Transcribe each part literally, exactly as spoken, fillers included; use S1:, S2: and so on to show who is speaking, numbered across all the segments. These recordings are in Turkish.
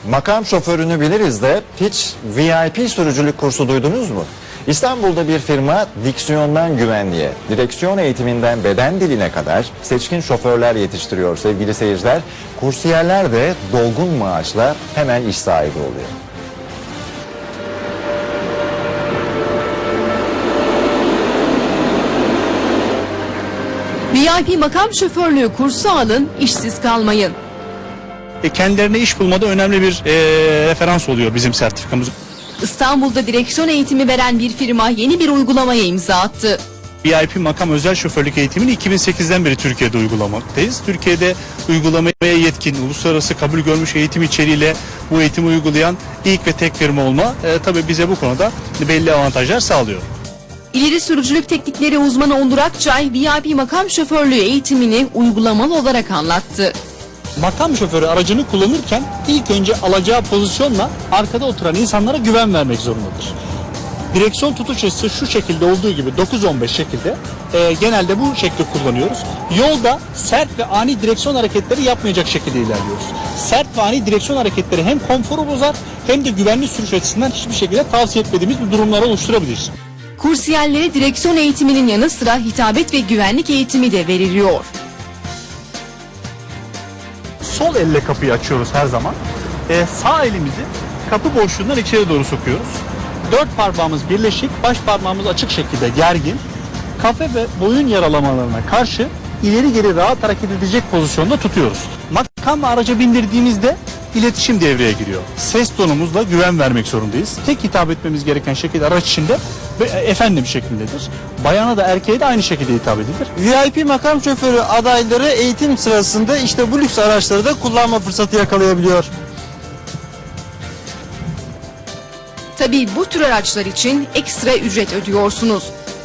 S1: Makam şoförünü biliriz de hiç V I P sürücülük kursu duydunuz mu? İstanbul'da bir firma diksiyondan güvenliğe, direksiyon eğitiminden beden diline kadar seçkin şoförler yetiştiriyor sevgili seyirciler. Kursiyerler de dolgun maaşla hemen iş sahibi oluyor.
S2: V I P makam şoförlüğü kursu alın, işsiz kalmayın.
S3: E, kendilerine iş bulmada önemli bir e, referans oluyor bizim sertifikamız.
S2: İstanbul'da direksiyon eğitimi veren bir firma yeni bir uygulamaya imza attı.
S3: V I P makam özel şoförlük eğitimini iki bin sekizden beri Türkiye'de uygulamaktayız. Türkiye'de uygulamaya yetkin, uluslararası kabul görmüş eğitim içeriğiyle bu eğitimi uygulayan ilk ve tek firma olma e, tabii bize bu konuda belli avantajlar sağlıyor.
S2: İleri sürücülük teknikleri uzmanı Onur Akçay, V I P makam şoförlüğü eğitimini uygulamalı olarak anlattı.
S3: Makam şoförü aracını kullanırken ilk önce alacağı pozisyonla arkada oturan insanlara güven vermek zorundadır. Direksiyon tutuş açısı şu şekilde olduğu gibi dokuz on beş şekilde e, genelde bu şekilde kullanıyoruz. Yolda sert ve ani direksiyon hareketleri yapmayacak şekilde ilerliyoruz. Sert ve ani direksiyon hareketleri hem konforu bozar hem de güvenli sürüş açısından hiçbir şekilde tavsiye etmediğimiz bir durumları oluşturabilir.
S2: Kursiyerlere direksiyon eğitiminin yanı sıra hitabet ve güvenlik eğitimi de veriliyor.
S3: Sol elle kapıyı açıyoruz her zaman. Ee, sağ elimizi kapı boşluğundan içeri doğru sokuyoruz. Dört parmağımız birleşik, baş parmağımız açık şekilde gergin. Kafe ve boyun yaralamalarına karşı ileri geri rahat hareket edecek pozisyonda tutuyoruz. Makamla araca bindirdiğimizde iletişim devreye giriyor. Ses tonumuzla güven vermek zorundayız. Tek hitap etmemiz gereken şekilde araç içinde ve efendim şeklindedir. Bayana da erkeğe de aynı şekilde hitap edilir.
S4: V I P makam şoförü adayları eğitim sırasında işte bu lüks araçları da kullanma fırsatı yakalayabiliyor.
S2: Tabii bu tür araçlar için ekstra ücret ödüyorsunuz.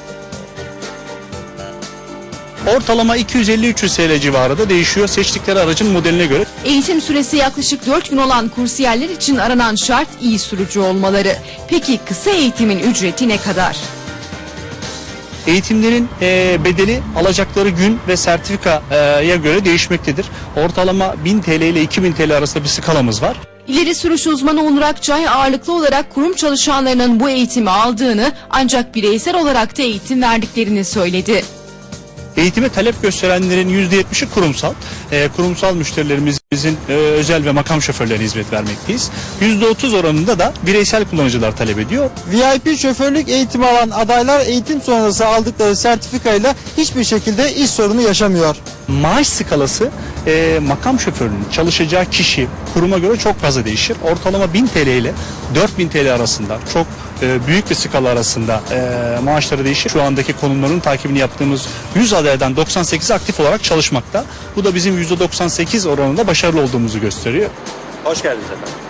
S3: Ortalama iki yüz elli üç yüz T L civarında değişiyor seçtikleri aracın modeline göre.
S2: Eğitim süresi yaklaşık dört gün olan kursiyerler için aranan şart iyi sürücü olmaları. Peki kısa eğitimin ücreti ne kadar?
S3: Eğitimlerin e, bedeli alacakları gün ve sertifikaya göre değişmektedir. Ortalama bin T L ile iki bin T L arasında bir skalamız var.
S2: İleri sürüş uzmanı Onur Akçay ağırlıklı olarak kurum çalışanlarının bu eğitimi aldığını ancak bireysel olarak da eğitim verdiklerini söyledi.
S3: Eğitime talep gösterenlerin yüzde yetmişi kurumsal. E, kurumsal müşterilerimizin e, özel ve makam şoförlerine hizmet vermekteyiz. yüzde otuz oranında da bireysel kullanıcılar talep ediyor.
S4: V I P şoförlük eğitimi alan adaylar eğitim sonrası aldıkları sertifikayla hiçbir şekilde iş sorunu yaşamıyor.
S3: Maaş skalası e, makam şoförünün çalışacağı kişi kuruma göre çok fazla değişir. Ortalama bin T L ile dört bin T L arasında çok e, büyük bir skala arasında e, maaşları değişir. Şu andaki konumların takibini yaptığımız yüz adaydan doksan sekiz aktif olarak çalışmakta. Bu da bizim yüzde doksan sekiz oranında başarılı olduğumuzu gösteriyor.
S1: Hoş geldiniz efendim.